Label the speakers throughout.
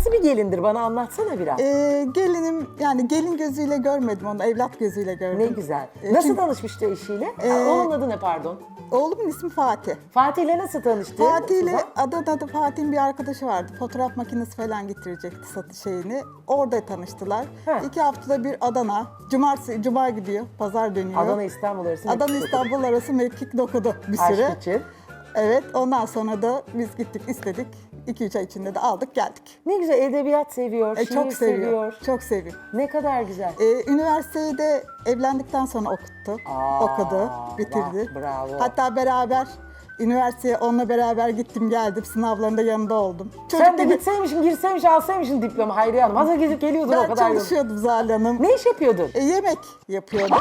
Speaker 1: Nasıl bir gelindir? Bana anlatsana biraz.
Speaker 2: Gelinim yani gelin gözüyle görmedim onu, evlat gözüyle gördüm.
Speaker 1: Ne güzel. Nasıl
Speaker 2: çünkü-
Speaker 1: tanışmıştı eşiyle? Onun adı ne pardon?
Speaker 2: Oğlumun ismi Fatih.
Speaker 1: Fatih'le nasıl tanıştı?
Speaker 2: Fatih ile
Speaker 1: Suzan?
Speaker 2: Adana'da Fatih'in bir arkadaşı vardı. Fotoğraf makinesi falan getirecekti satış şeyini. Orada tanıştılar.
Speaker 1: He.
Speaker 2: 2 haftada bir Adana. Cuma gidiyor. Pazar dönüyor.
Speaker 1: Adana İstanbul arası.
Speaker 2: Adana
Speaker 1: mektup
Speaker 2: İstanbul arası mekik dokudu bir
Speaker 1: okudu.
Speaker 2: süre.
Speaker 1: Aşk için.
Speaker 2: Evet, ondan sonra da biz gittik istedik. 2-3 ay içinde de aldık geldik.
Speaker 1: Ne güzel, edebiyat seviyor, şiir
Speaker 2: Çok seviyor. Çok seviyor.
Speaker 1: Ne kadar güzel.
Speaker 2: Üniversiteyi de evlendikten sonra okudu, bitirdi.
Speaker 1: Bravo.
Speaker 2: Hatta beraber üniversiteye onunla beraber gittim geldim. Sınavlarında yanında oldum.
Speaker 1: Sen de
Speaker 2: gibi-
Speaker 1: gitseymişsin, girseymişsin, alsaymışsın diploma Hayriye Hanım. Hazır gezip geliyordun o
Speaker 2: Ben
Speaker 1: kadar yıl.
Speaker 2: çalışıyordum Zuhal Hanım.
Speaker 1: Ne iş yapıyordun?
Speaker 2: Yemek yapıyordum.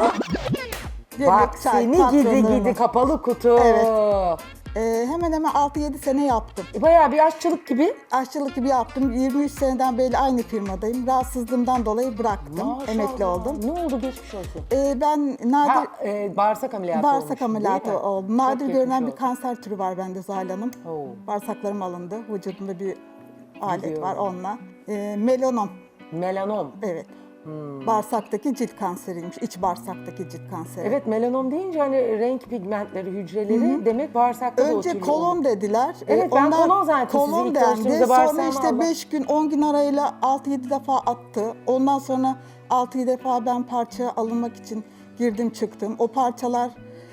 Speaker 1: Bak
Speaker 2: çay,
Speaker 1: seni
Speaker 2: patronlarımız.
Speaker 1: gidi kapalı kutu.
Speaker 2: Evet. Hemen hemen 6-7 sene yaptım.
Speaker 1: Bayağı bir aşçılık gibi.
Speaker 2: Aşçılık gibi yaptım. 23 seneden beri aynı firmadayım. Rahatsızlığımdan dolayı bıraktım.
Speaker 1: Maşallah.
Speaker 2: Emekli oldum.
Speaker 1: Ne oldu, geçmiş olsun.
Speaker 2: Ben nadir
Speaker 1: Bağırsak ameliyatı
Speaker 2: bağırsak
Speaker 1: olmuştun,
Speaker 2: ameliyatı
Speaker 1: değil mi?
Speaker 2: oldum.
Speaker 1: Çok
Speaker 2: Nadir
Speaker 1: geçmiş
Speaker 2: görünen bir
Speaker 1: olsun.
Speaker 2: kanser türü var bende Zuhal Hanım.
Speaker 1: Oo.
Speaker 2: Bağırsaklarım alındı. Vücudumda bir alet
Speaker 1: Biliyorum.
Speaker 2: var onunla. Melanom.
Speaker 1: Melanom.
Speaker 2: Evet. Bağırsaktaki cilt kanseriymiş. İç bağırsaktaki cilt kanseri.
Speaker 1: Evet, melanom deyince hani renk pigmentleri, hücreleri demek bağırsakta da
Speaker 2: Önce
Speaker 1: oturuyor.
Speaker 2: kolon dediler.
Speaker 1: Evet, ben kolon zannettim sizi
Speaker 2: kolon
Speaker 1: ilk
Speaker 2: dendi.
Speaker 1: tanıştığımızda
Speaker 2: Sonra
Speaker 1: bağırsağıma
Speaker 2: işte
Speaker 1: Allah.
Speaker 2: 5 gün 10 gün arayla 6-7 defa attı. Ondan sonra 6-7 defa ben parça alınmak için girdim çıktım. O parçalar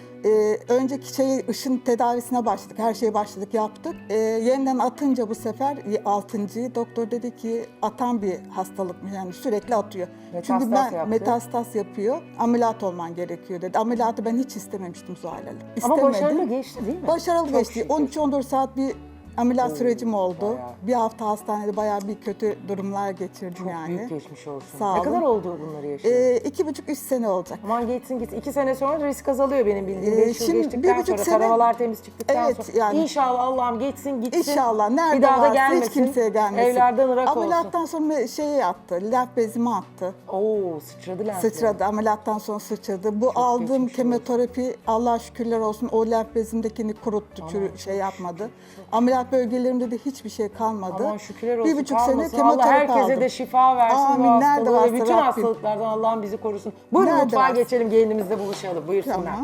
Speaker 2: önceki ışın tedavisine başladık. Her şeye başladık yaptık. Yeniden atınca bu sefer 6. doktor dedi ki atan bir hastalıkmış yani sürekli atıyor.
Speaker 1: Metastas
Speaker 2: Çünkü ben
Speaker 1: yaptı.
Speaker 2: metastas yapıyor. Ameliyat olman gerekiyor dedi. Ameliyatı ben hiç istememiştim Zuhal Hanım.
Speaker 1: Ama
Speaker 2: İstemedim.
Speaker 1: başarılı geçti değil mi?
Speaker 2: Başarılı
Speaker 1: Çok
Speaker 2: geçti.
Speaker 1: şükür.
Speaker 2: 13-14 saat bir ameliyat sürecim oldu.
Speaker 1: bayağı.
Speaker 2: Bir hafta hastanede bayağı bir kötü durumlar geçirdim yani.
Speaker 1: Büyük geçmiş olsun.
Speaker 2: Sağ
Speaker 1: Ne
Speaker 2: olun.
Speaker 1: kadar oldu bunları yaşayalı?
Speaker 2: 2,5-3 sene olacak.
Speaker 1: Aman geçsin gitsin. 2 sene sonra risk azalıyor benim bildiğim. 5 yıl
Speaker 2: şimdi
Speaker 1: geçtikten
Speaker 2: 1,5
Speaker 1: sonra,
Speaker 2: sene-
Speaker 1: taramalar temiz çıktıktan
Speaker 2: Evet,
Speaker 1: sonra.
Speaker 2: yani-
Speaker 1: İnşallah Allah'ım geçsin gitsin.
Speaker 2: İnşallah nerede
Speaker 1: bir daha da
Speaker 2: varsa
Speaker 1: gelmesin.
Speaker 2: hiç kimseye gelmesin.
Speaker 1: Evlerden ırak olsun.
Speaker 2: Ameliyattan sonra şeyi attı, lenf bezimi attı.
Speaker 1: Oo, sıçradı lenf.
Speaker 2: Sıçradı, ameliyattan sonra sıçradı. Bu aldığım
Speaker 1: geçmiş
Speaker 2: kemoterapi Allah'a şükürler olsun o lenf bezimdekini kuruttu, şey yapmadı. Ameliyat bölgelerimde de hiçbir şey kalmadı.
Speaker 1: Aman şükürler olsun.
Speaker 2: 1,5 sene
Speaker 1: kalmasın. Allah
Speaker 2: kemoterapi
Speaker 1: herkese
Speaker 2: aldım.
Speaker 1: de şifa versin
Speaker 2: Amin,
Speaker 1: bu
Speaker 2: nerede
Speaker 1: hastalığı.
Speaker 2: varsa
Speaker 1: Bütün
Speaker 2: Rabbim.
Speaker 1: hastalıklardan Allah'ım bizi korusun. Buyurun
Speaker 2: Nerede
Speaker 1: mutfağa
Speaker 2: varsa.
Speaker 1: geçelim, gelinimizle buluşalım. Buyursunlar.
Speaker 2: Tamam.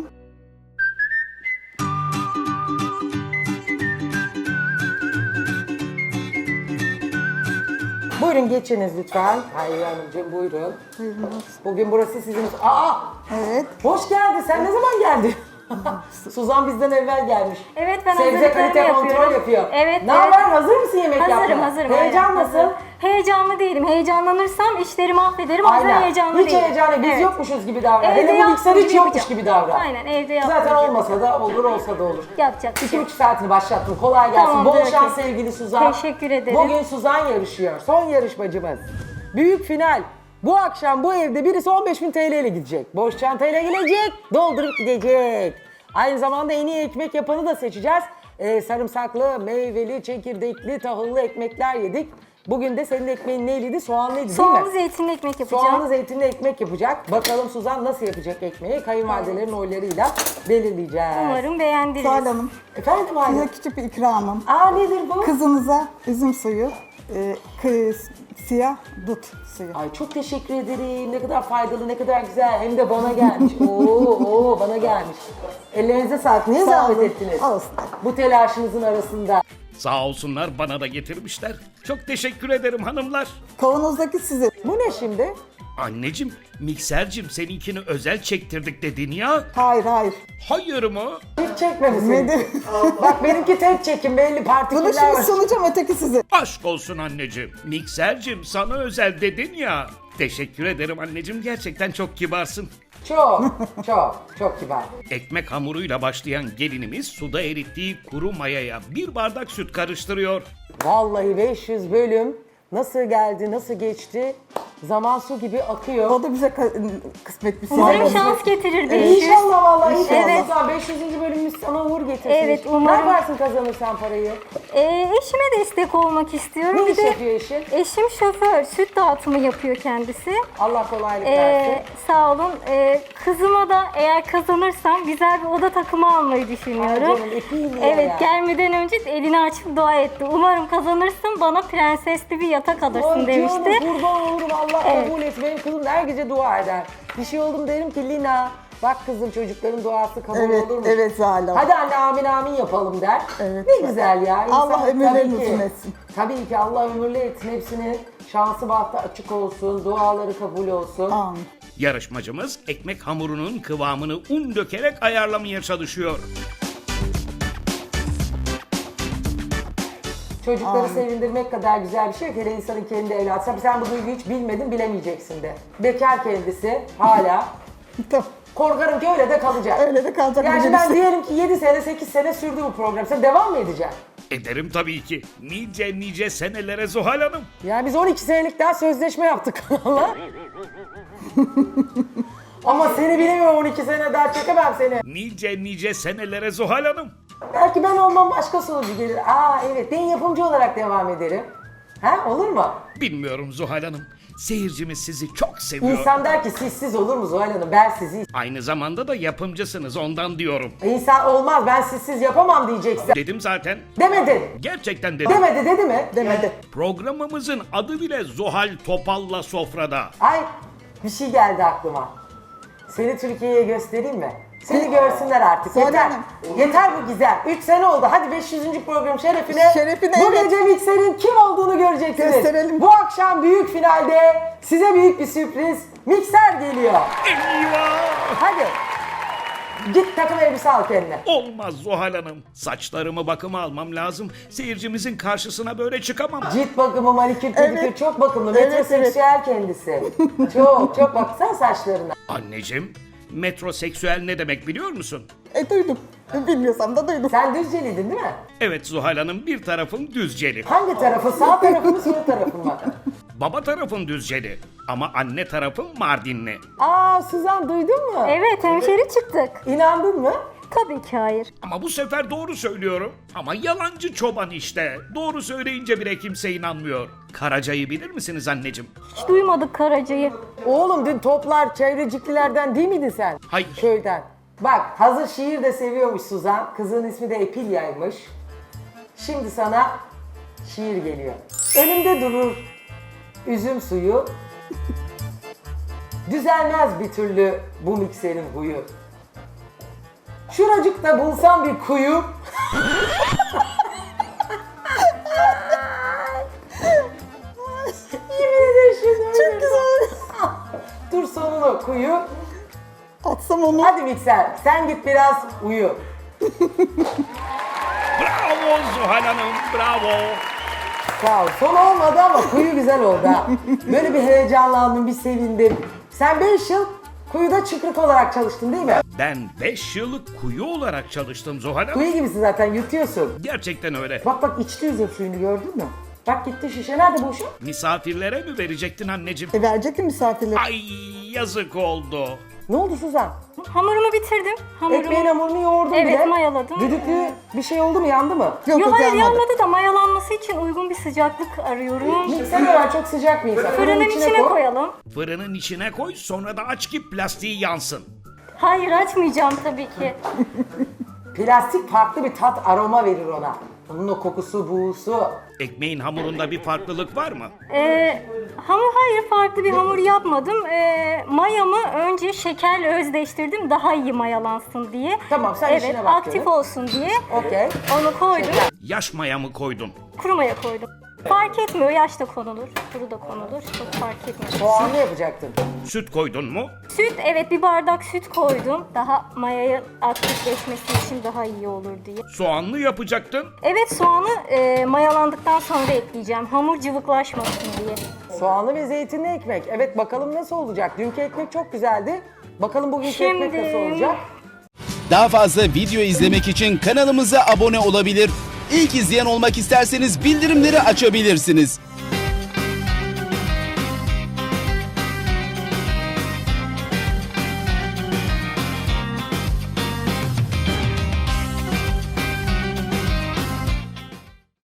Speaker 1: Buyurun geçiniz lütfen. Hayriye Hanımcığım buyurun.
Speaker 2: Buyurun.
Speaker 1: Bugün burası sizin... Aa!
Speaker 2: Evet.
Speaker 1: Hoş geldin. Sen ne zaman geldin? Suzan bizden evvel gelmiş.
Speaker 3: Evet, ben
Speaker 1: Sebze
Speaker 3: hazırlıklarımı
Speaker 1: kalite kontrol
Speaker 3: yapıyorum.
Speaker 1: yapıyor.
Speaker 3: Evet,
Speaker 1: Ne
Speaker 3: evet.
Speaker 1: haber? Hazır mısın yemek
Speaker 3: Hazırım,
Speaker 1: yapmaya?
Speaker 3: hazırım.
Speaker 1: Heyecan
Speaker 3: aynen,
Speaker 1: nasıl?
Speaker 3: hazırım. Heyecanlı değilim. Heyecanlanırsam işleri mahvederim. O yüzden
Speaker 1: Aynen.
Speaker 3: heyecanlı
Speaker 1: Hiç
Speaker 3: değilim.
Speaker 1: heyecanlı. Biz
Speaker 3: Evet.
Speaker 1: yokmuşuz gibi davran.
Speaker 3: Evde
Speaker 1: Hele bu
Speaker 3: yaptığım
Speaker 1: mikser hiç
Speaker 3: gibi
Speaker 1: yokmuş
Speaker 3: yapacağım.
Speaker 1: gibi davran.
Speaker 3: Aynen, evde yaptığım
Speaker 1: Zaten
Speaker 3: gibi
Speaker 1: olmasa da olur, olsa da olur.
Speaker 3: yapacak bir şey.
Speaker 1: 2,5 saatini başlattım. Kolay gelsin.
Speaker 3: Tamamdır,
Speaker 1: Bol şans
Speaker 3: okey.
Speaker 1: sevgili Suzan.
Speaker 3: Teşekkür ederim.
Speaker 1: Bugün Suzan yarışıyor. Son yarışmacımız. Büyük final. Bu akşam bu evde birisi 15.000 TL ile gidecek. Boş çantayla gelecek, doldurup gidecek. Aynı zamanda en iyi ekmek yapanı da seçeceğiz. Sarımsaklı, meyveli, çekirdekli, tahıllı ekmekler yedik. Bugün de senin ekmeğin neyliydi? Soğanlıydı değil mi?
Speaker 3: Soğanlı zeytinli ekmek yapacağım.
Speaker 1: Soğanlı zeytinli ekmek yapacak. Bakalım Suzan nasıl yapacak ekmeği? Kayınvalidelerin oylarıyla belirleyeceğiz.
Speaker 3: Umarım beğendiniz.
Speaker 2: Zuhal Hanım,
Speaker 1: Efendim
Speaker 2: size
Speaker 1: Hayri?
Speaker 2: küçük bir ikramım.
Speaker 1: Aa nedir bu?
Speaker 2: Kızınıza üzüm suyu, siyah dut suyu.
Speaker 1: Ay çok teşekkür ederim. Ne kadar faydalı, ne kadar güzel. Hem de bana gelmiş. Oo, bana gelmiş. Ellerinize sağlık. Niye
Speaker 2: Sağ
Speaker 1: zahmet
Speaker 2: olun.
Speaker 1: ettiniz?
Speaker 2: Olsun.
Speaker 1: Bu telaşınızın arasında.
Speaker 4: Sağ olsunlar bana da getirmişler. Çok teşekkür ederim hanımlar.
Speaker 2: Kavanozdaki sizin.
Speaker 1: Bu ne şimdi?
Speaker 4: Anneciğim, miksercim seninkini özel çektirdik dedin ya.
Speaker 2: Hayır hayır.
Speaker 4: Hayır mı?
Speaker 1: Hiç çekmemişsin.
Speaker 2: Nedir?
Speaker 1: Bak benimki tek çekim. Belli
Speaker 2: Bunu
Speaker 1: partiküller
Speaker 2: şimdi
Speaker 1: var.
Speaker 2: sunacağım öteki sizin.
Speaker 4: Aşk olsun anneciğim. Miksercim sana özel dedin ya. Teşekkür ederim anneciğim. Gerçekten çok kibarsın.
Speaker 1: Çok kibar.
Speaker 4: Ekmek hamuruyla başlayan gelinimiz suda erittiği kuru mayaya bir bardak süt karıştırıyor.
Speaker 1: Vallahi 500 bölüm nasıl geldi, nasıl geçti Zaman su gibi akıyor.
Speaker 2: O da bize kısmet bir
Speaker 3: Umarım
Speaker 2: şey.
Speaker 3: şans getirir bir
Speaker 1: İnşallah vallahi inşallah.
Speaker 3: Evet.
Speaker 1: Suzan, 500. bölümümüz sana uğur getirsin.
Speaker 3: Evet, umarım.
Speaker 1: Ne yaparsın kazanırsan parayı?
Speaker 3: Eşime destek olmak istiyorum.
Speaker 1: Ne
Speaker 3: Bir
Speaker 1: iş
Speaker 3: de
Speaker 1: yapıyor eşin?
Speaker 3: eşim şoför, süt dağıtımı yapıyor kendisi.
Speaker 1: Allah kolaylık versin.
Speaker 3: Sağ olun. Kızıma da eğer kazanırsam güzel bir oda takımı almayı
Speaker 1: Ay
Speaker 3: düşünüyorum.
Speaker 1: canım, epeyim ya.
Speaker 3: Evet, gelmeden önce elini açıp dua etti. Umarım kazanırsın, bana prensesli bir yatak alırsın
Speaker 1: Ay
Speaker 3: demişti.
Speaker 1: canım, kurban olurum, Allah
Speaker 3: Evet.
Speaker 1: kabul etsin. Benim kızım da her gece dua eder. Bir şey oldu mu derim ki Lina, bak kızım çocukların duası kabul
Speaker 2: Evet,
Speaker 1: olur mu?
Speaker 2: evet Zuhal Hanım.
Speaker 1: Hadi anne amin amin yapalım der.
Speaker 2: Evet.
Speaker 1: Ne güzel ya. İnsan
Speaker 2: Allah ömürlerini
Speaker 1: tabii ki-
Speaker 2: uzun etsin.
Speaker 1: Tabii ki Allah ömürlü etsin hepsini. Şansı bahtı açık olsun, duaları kabul olsun.
Speaker 2: Amin.
Speaker 4: Yarışmacımız ekmek hamurunun kıvamını un dökerek ayarlamaya çalışıyor.
Speaker 1: Çocukları sevindirmek kadar güzel bir şey yok. Hele insanın kendi evladı. Tabii sen bu duyguyu hiç bilmedin, bilemeyeceksin de. Bekar kendisi hala.
Speaker 2: Tamam.
Speaker 1: Korkarım ki öyle de kalacak.
Speaker 2: Öyle de kalacak.
Speaker 1: Yani
Speaker 2: bir
Speaker 1: ben
Speaker 2: şey.
Speaker 1: diyelim ki 7 sene, 8 sene sürdü bu program. Sen devam mı edeceksin?
Speaker 4: Ederim tabii ki. Nice senelere Zuhal Hanım.
Speaker 1: Yani biz 12 senelik daha sözleşme yaptık kanala. Ama seni bilemiyorum, 12 sene daha çekemem seni.
Speaker 4: Nice senelere Zuhal Hanım.
Speaker 1: Belki ben olmam, başka sunucu gelir. Aa evet, ben yapımcı olarak devam ederim. Ha, olur mu?
Speaker 4: Bilmiyorum Zuhal Hanım. Seyircimiz sizi çok seviyor.
Speaker 1: İnsan der ki sizsiz olur mu Zuhal Hanım? Ben sizi...
Speaker 4: Aynı zamanda da yapımcısınız ondan diyorum.
Speaker 1: İnsan olmaz, ben sizsiz yapamam diyeceksin.
Speaker 4: Dedim zaten.
Speaker 1: Demedin.
Speaker 4: Gerçekten dedim.
Speaker 1: Demedi, dedi mi?
Speaker 2: Demedi.
Speaker 4: Programımızın adı bile Zuhal Topal'la Sofrada.
Speaker 1: Ay, bir şey geldi aklıma. Seni Türkiye'ye göstereyim mi? Seni görsünler artık.
Speaker 2: Zuhal
Speaker 1: Yeter.
Speaker 2: Hanım.
Speaker 1: Yeter bu güzel. 3 sene oldu. Hadi 500. program şerefine.
Speaker 2: Şerefine,
Speaker 1: Bu
Speaker 2: evet.
Speaker 1: gece Mikser'in kim olduğunu göreceksiniz.
Speaker 2: Gösterelim.
Speaker 1: Bu akşam büyük finalde size büyük bir sürpriz. Mikser geliyor.
Speaker 4: Eyvah!
Speaker 1: Hadi. Git takım elbise al kendine.
Speaker 4: Olmaz Zuhal Hanım. Saçlarımı bakıma almam lazım. Seyircimizin karşısına böyle çıkamam.
Speaker 1: Cilt bakımı, manikür, pedikür
Speaker 2: Evet.
Speaker 1: çok bakımlı.
Speaker 2: Evet,
Speaker 1: Metroseksüel kendisi. Çok baksana saçlarına.
Speaker 4: Anneciğim, metroseksüel ne demek biliyor musun?
Speaker 2: Duydum. Bilmiyorsam da duydum.
Speaker 1: Sen Düzceliydin değil mi?
Speaker 4: Evet Zuhal Hanım, bir tarafım Düzceli.
Speaker 1: Hangi tarafı? Sağ tarafı mı, sol tarafı mı?
Speaker 4: Baba tarafım Düzceli ama anne tarafım Mardinli.
Speaker 1: Aa Suzan, duydun mu?
Speaker 3: Evet, hemşeri çıktık.
Speaker 1: İnandın mı?
Speaker 3: Tabii ki hayır.
Speaker 4: Ama bu sefer doğru söylüyorum. Ama yalancı çoban işte. Doğru söyleyince bile kimse inanmıyor. Karaca'yı bilir misiniz anneciğim?
Speaker 3: Hiç duymadık Karaca'yı.
Speaker 1: Oğlum dün toplar çevreciklilerden değil miydin sen?
Speaker 4: Hayır.
Speaker 1: Köyden. Bak hazır şiir de seviyormuş Suzan. Kızın ismi de Epilya'ymış. Şimdi sana şiir geliyor. Önümde durur üzüm suyu. Düzelmez bir türlü bu mikserin huyu. Şuracıkta bulsam bir kuyu. Yemin ederim şimdi öyle.
Speaker 2: Çok güzel.
Speaker 1: Dur sonunu kuyu.
Speaker 2: Atsam onu.
Speaker 1: Hadi mikser sen git biraz uyu.
Speaker 4: Bravo Zuhal Hanım, bravo.
Speaker 1: Sağ ol. Son olmadı ama kuyu güzel oldu ha. Böyle bir heyecanlandım, bir sevindim. Sen 5 yıl kuyuda çıkrık olarak çalıştın değil mi?
Speaker 4: Ben 5 yıllık kuyu olarak çalıştım Zuhal Hanım.
Speaker 1: Kuyu gibisin zaten, yutuyorsun.
Speaker 4: Gerçekten öyle.
Speaker 1: Bak içti üzüm suyunu, gördün mü? Bak gitti şişe, nerede bu şu?
Speaker 4: Misafirlere mi verecektin anneciğim?
Speaker 2: Verecek mi misafirler?
Speaker 4: Ay yazık oldu.
Speaker 1: Ne oldu Suzan?
Speaker 3: Hamurumu bitirdim.
Speaker 1: Ekmeğin hamurunu yoğurdun
Speaker 3: Evet,
Speaker 1: bile.
Speaker 3: mayaladım.
Speaker 1: Düdüklü bir şey oldu mu, yandı mı?
Speaker 2: Yok
Speaker 3: Yok hayır,
Speaker 2: yanmadı.
Speaker 3: yanmadı da mayalanması için uygun bir sıcaklık arıyorum.
Speaker 1: Mikser var, çok sıcak bir insan.
Speaker 3: Fırının içine
Speaker 1: koy.
Speaker 3: koyalım.
Speaker 4: Fırının içine koy sonra da aç ki plastiği yansın.
Speaker 3: Hayır, açmayacağım tabii ki.
Speaker 1: Plastik farklı bir tat, aroma verir ona. Onun o kokusu, buğusu.
Speaker 4: Ekmeğin hamurunda bir farklılık var mı?
Speaker 3: Hayır, farklı bir hamur yapmadım. Mayamı önce şekerle özleştirdim daha iyi mayalansın diye.
Speaker 1: Tamam, sen işine
Speaker 3: Evet,
Speaker 1: bak
Speaker 3: aktif
Speaker 1: canım.
Speaker 3: olsun diye.
Speaker 1: Okey.
Speaker 3: Onu koydum.
Speaker 4: Yaş maya mı koydun?
Speaker 3: Kuru maya koydum. Fark etmiyor, yaş da konulur, kuru da konulur. Çok fark etmiyor.
Speaker 1: Soğanlı yapacaktın.
Speaker 4: Süt koydun mu?
Speaker 3: Süt, evet bir bardak süt koydum. Daha mayayı aktifleşmesi için daha iyi olur diye.
Speaker 4: Soğanlı yapacaktın.
Speaker 3: Evet, soğanı mayalandıktan sonra ekleyeceğim. Hamur cıvıklaşmasın diye.
Speaker 1: Soğanlı ve zeytinli ekmek. Evet, bakalım nasıl olacak? Dünkü ekmek çok güzeldi. Bakalım bugünkü ekmek
Speaker 3: Şimdi-
Speaker 1: nasıl olacak?
Speaker 5: Daha fazla video izlemek için kanalımıza abone olabilir. İlk izleyen olmak isterseniz bildirimleri açabilirsiniz.